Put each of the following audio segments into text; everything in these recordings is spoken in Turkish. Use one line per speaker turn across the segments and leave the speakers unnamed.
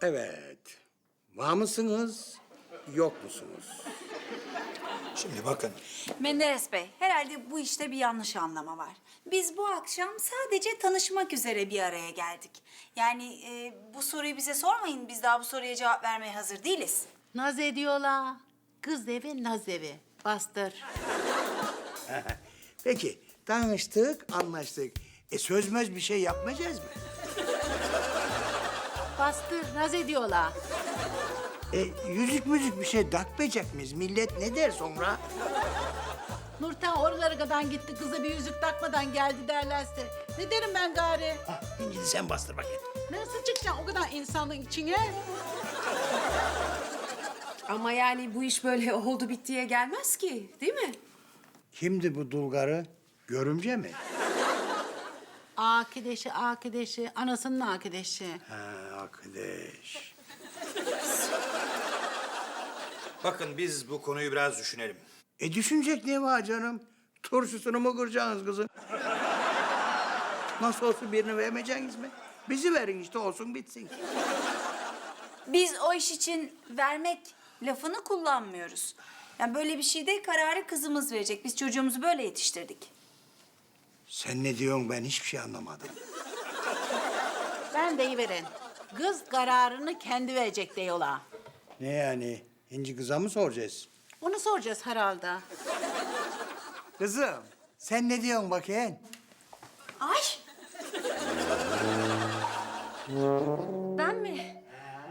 Evet. Var mısınız, yok musunuz?
Şimdi bakın,
Menderes Bey, herhalde bu işte bir yanlış anlama var. Biz bu akşam sadece tanışmak üzere bir araya geldik. Yani bu soruyu bize sormayın, biz daha bu soruya cevap vermeye hazır değiliz.
Naz ediyorlar. Kız evi, naz evi. Bastır.
Peki, tanıştık, anlaştık. Sözmez bir şey yapmayacağız mı?
Bastır, naz ediyorlar.
Yüzük müzik bir şey takmayacak mıyız? Millet ne der sonra?
Nurten oralara kadar gitti, kıza bir yüzük takmadan geldi derlerse. Ne derim ben gari?
Şimdi sen bastır bakayım.
Nasıl çıkacaksın o kadar insanın içine?
Ama yani bu iş böyle oldu bittiye gelmez ki, değil mi?
Kimdi bu dulgarı? Görümce mi?
Akideşi, anasının akideşi.
Ha, arkadaş.
bakın biz bu konuyu biraz düşünelim.
Düşünecek ne var canım? Turşusunu mu kıracaksınız kızın? Nasıl olsun birini vermeyeceksiniz mi? Bizi verin işte olsun bitsin.
Biz o iş için vermek lafını kullanmıyoruz. Yani böyle bir şeyde kararı kızımız verecek. Biz çocuğumuzu böyle yetiştirdik.
Sen ne diyorsun ben hiçbir şey anlamadım.
Ben deyiverin. Kız kararını kendi verecek diyorlar.
Ne yani? İnci kıza mı soracağız?
Onu soracağız herhalde.
Kızım sen ne diyorsun bakayım?
Ay!
Ben mi?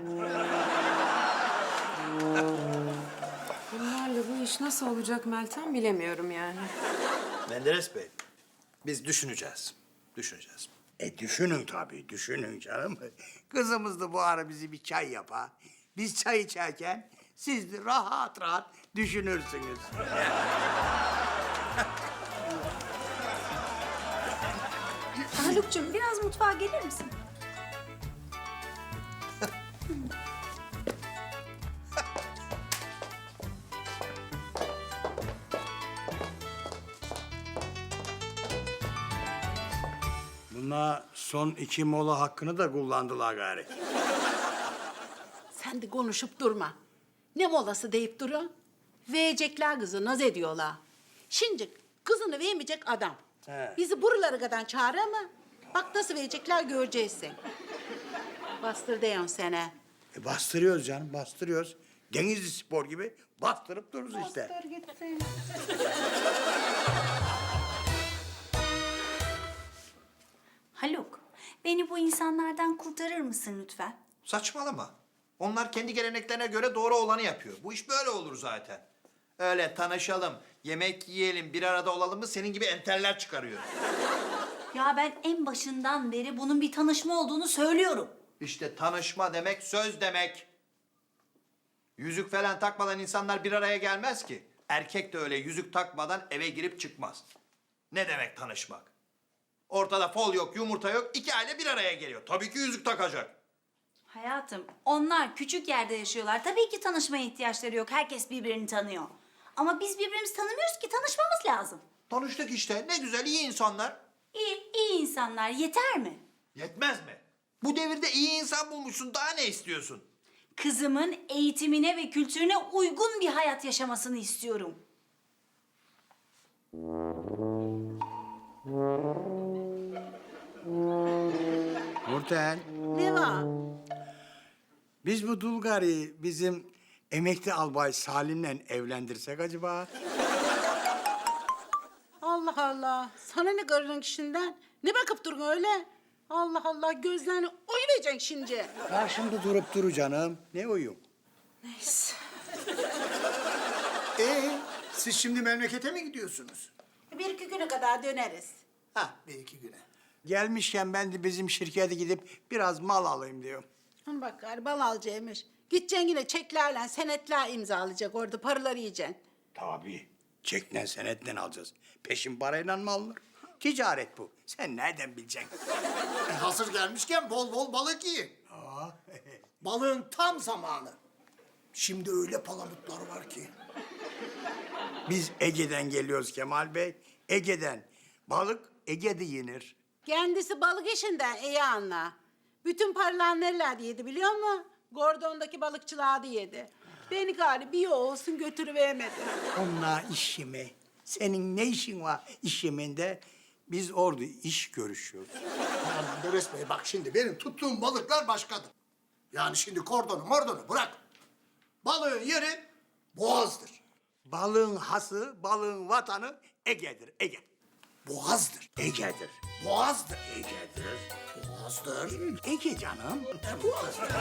Bunlarla bu iş nasıl olacak Meltem bilemiyorum yani.
Menderes Bey, biz düşüneceğiz. Düşüneceğiz.
Düşünün tabii, düşünün canım. Kızımız da bu ara bizi bir çay yapar. Biz çay içerken siz de rahat rahat düşünürsünüz.
Haluk'cum biraz mutfağa gelir misin?
Bunlar son 2 mola hakkını da kullandılar gari.
Sen de konuşup durma. Ne molası deyip durun. Verecekler kızı, naz ediyorlar. Şimdi kızını vermeyecek adam.
He.
Bizi buralara kadar çağırır mı? Bak nasıl verecekler göreceksin. Bastır diyorsun sene.
Bastırıyoruz canım, bastırıyoruz. Denizli Spor gibi bastırıp dururuz işte.
Bastır gitsin.
Haluk, beni bu insanlardan kurtarır mısın lütfen?
Saçmalama. Onlar kendi geleneklerine göre doğru olanı yapıyor. Bu iş böyle olur zaten. Öyle tanışalım, yemek yiyelim, bir arada olalım mı senin gibi enteller çıkarıyor.
Ya ben en başından beri bunun bir tanışma olduğunu söylüyorum.
İşte tanışma demek söz demek. Yüzük falan takmadan insanlar bir araya gelmez ki. Erkek de öyle yüzük takmadan eve girip çıkmaz. Ne demek tanışmak? Ortada fol yok, yumurta yok, iki aile bir araya geliyor. Tabii ki yüzük takacak.
Hayatım, onlar küçük yerde yaşıyorlar. Tabii ki tanışmaya ihtiyaçları yok. Herkes birbirini tanıyor. Ama biz birbirimizi tanımıyoruz ki tanışmamız lazım.
Tanıştık işte. Ne güzel, iyi insanlar.
İyi insanlar yeter mi?
Yetmez mi? Bu devirde iyi insan bulmuşsun. Daha ne istiyorsun?
Kızımın eğitimine ve kültürüne uygun bir hayat yaşamasını istiyorum.
Nurten,
Ne var?
biz bu Dulgar'ı bizim emekli albay Salim'le evlendirsek acaba?
Allah Allah. Sana ne karının kişinden? Ne bakıp durun öyle? Allah Allah gözlerini oynayacaksın şimdi.
Karşımda durup duru canım. Ne uyum?
Siz şimdi memlekete mi gidiyorsunuz?
Bir iki güne kadar döneriz.
Ha, bir iki güne.
Gelmişken ben de bizim şirkete gidip biraz mal alayım diyorum.
Hı bak gariban alacakmış. Gideceksin yine çeklerle senetler imzalayacak orada paraları yiyeceksin.
Tabii. Çekle senetle alacağız. Peşin parayla mı alınır? Ticaret bu. Sen nereden bileceksin?
Hazır gelmişken bol bol balık yiyin. Balığın tam zamanı. Şimdi öyle palamutlar var ki.
Biz Ege'den geliyoruz Kemal Bey. Ege'den. Balık Ege'de yenir.
Kendisi balık işinden iyi anla. Bütün paralar nerelerde yedi biliyor musun? Gordon'daki balıkçılığa da yedi. Beni gari bir olsun götürüvermedi.
Onunla iş yeme. Senin ne işin var iş yeminde? Biz orada iş görüşüyoruz.
Aman Menderes Bey bak şimdi benim tuttuğum balıklar başkadır. Yani şimdi kordonu mordonu bırak. Balığın yeri boğazdır.
Balığın hası, balığın vatanı Ege'dir, Ege.
Boğazdır.
Ege'dir.
Boğazdır.
Ege'dir.
Boğazdır.
Ege canım.
Boğazdır.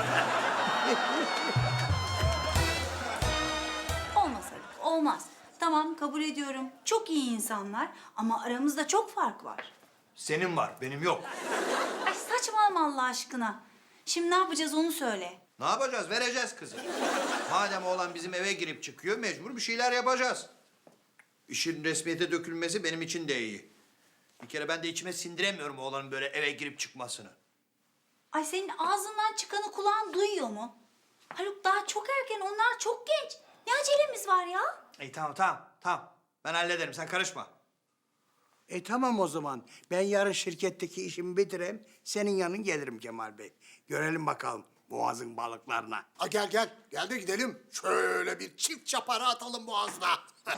Olmaz Haluk, olmaz. Tamam, kabul ediyorum. Çok iyi insanlar ama aramızda çok fark var.
Senin var, benim yok.
Ay saçmalama Allah aşkına. Şimdi ne yapacağız onu söyle.
Ne yapacağız? Vereceğiz kızı. Madem oğlan bizim eve girip çıkıyor, mecbur bir şeyler yapacağız. İşin resmiyete dökülmesi benim için de iyi. Bir kere ben de içime sindiremiyorum oğlanın böyle eve girip çıkmasını.
Ay senin ağzından çıkanı kulağın duyuyor mu? Haluk daha çok erken, onlar çok genç. Ne acelemiz var ya?
İyi tamam. Ben hallederim, sen karışma.
Tamam o zaman. Ben yarın şirketteki işimi bitireyim. Senin yanın gelirim Kemal Bey. Görelim bakalım boğazın balıklarına.
Ha gel gel. Gel de gidelim. Şöyle bir çift çapara atalım boğazına.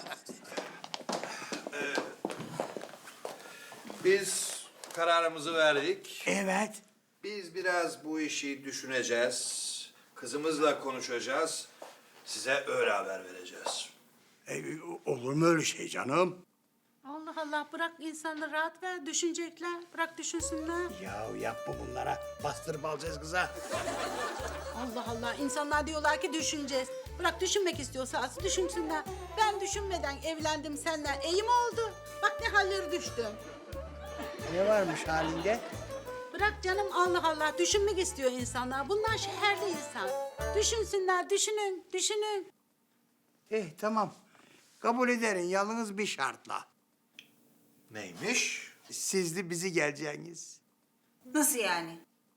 Biz kararımızı verdik.
Evet.
Biz biraz bu işi düşüneceğiz. Kızımızla konuşacağız. Size öyle haber vereceğiz.
Olur mu öyle şey canım?
Allah Allah bırak insanları rahat ver. Düşünecekler. Bırak düşünsünler.
Ya yapma bunlara. Bastırıp alacağız kıza.
Allah Allah insanlar diyorlar ki düşüneceğiz. Bırak düşünmek istiyorsa asıl düşünsünler. Ben düşünmeden evlendim senden. İyi mi oldu? Bak ne halleri düştüm.
Ne varmış halinde?
Bırak canım Allah Allah düşünmek istiyor insanlar. Bunlar şehirde insan. Düşünsünler, düşünün.
Tamam. Kabul ederim yalnız bir şartla.
Neymiş?
Siz de bizi geleceğiniz.
Nasıl yani?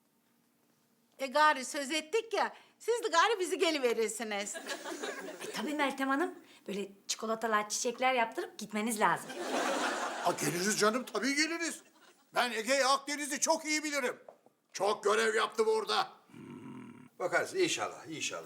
Gari söz ettik ya, siz de gari bizi geliverirsiniz.
Tabii Meltem Hanım. Böyle çikolatalar, çiçekler yaptırıp gitmeniz lazım.
Ha geliriz canım tabii geliriz. Ben Ege'yi Akdeniz'i çok iyi bilirim. Çok görev yaptım orada.
Bakarız inşallah.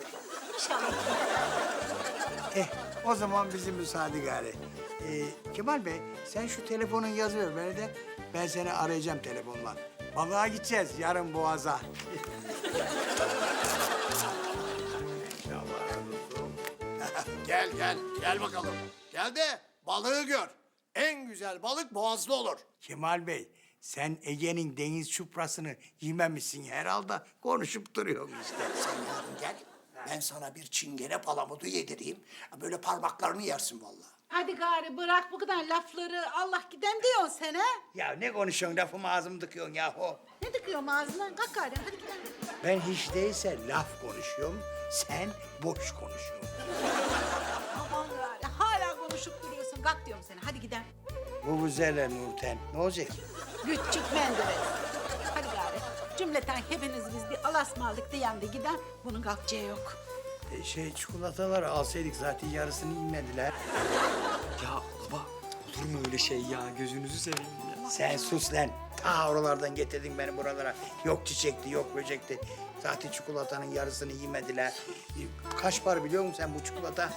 O zaman bizim müsaade gari. Kemal Bey sen şu telefonun yazıyor beni de. Ben seni arayacağım telefonla. Balığa gideceğiz yarın Boğaz'a.
Gel bakalım. Gel de balığı gör. En güzel balık boğazlı olur.
Kemal Bey sen Ege'nin deniz çuprasını yememişsin herhalde. Konuşup duruyorsun işte.
Sen yarın gel. Ben sana bir çingene palamudu yedireyim. Böyle parmaklarını yersin vallahi.
Hadi gari bırak bu kadar lafları. Allah giden diyorsun sen ha?
Ya ne konuşuyorsun lafımı ağzımı tıkıyorsun yahu.
Ne tıkıyorum ağzına? Kalk gari hadi gidelim.
Ben hiç değilse laf konuşuyorum. Sen boş konuşuyorsun.
Aman gari hala konuşup duruyorsun. Kalk diyorum sana hadi gidelim.
Bu güzel Nurten. Ne olacak?
Küçük Menderes. Hadi gari. Cümleten hepiniz biz bir alasmalık diyen de giden bunun kalkacağı yok.
Çikolataları alsaydık zaten yarısını inmediler.
Ya baba olur mu öyle şey ya? Gözünüzü seveyim ya.
Sen sus lan. Ta oralardan getirdin beni buralara. Yok çiçekti, yok böcekti. Zaten çikolatanın yarısını yemediler. Kaç para biliyor musun sen bu çikolata?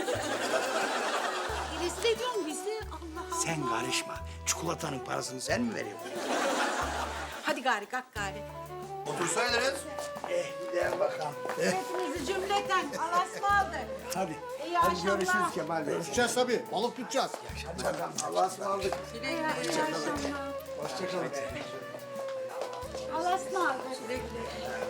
Rezil ediyorsun bizi. Allah Allah.
Sen karışma. Çikolatanın parasını sen mi veriyorsun?
Hadi gari kalk gari.
Otursaydınız.
Gidelim bakalım.
Hepinizi cümleten alasmalık.
Hadi.
İyi
Hadi
akşamlar.
görüşürüz Kemal Bey.
Görüşeceğiz tabii. Balık tutacağız.
Allah'a ısmarladık.
İyi akşamlar.
Hoşçakalın.
Alasmalık.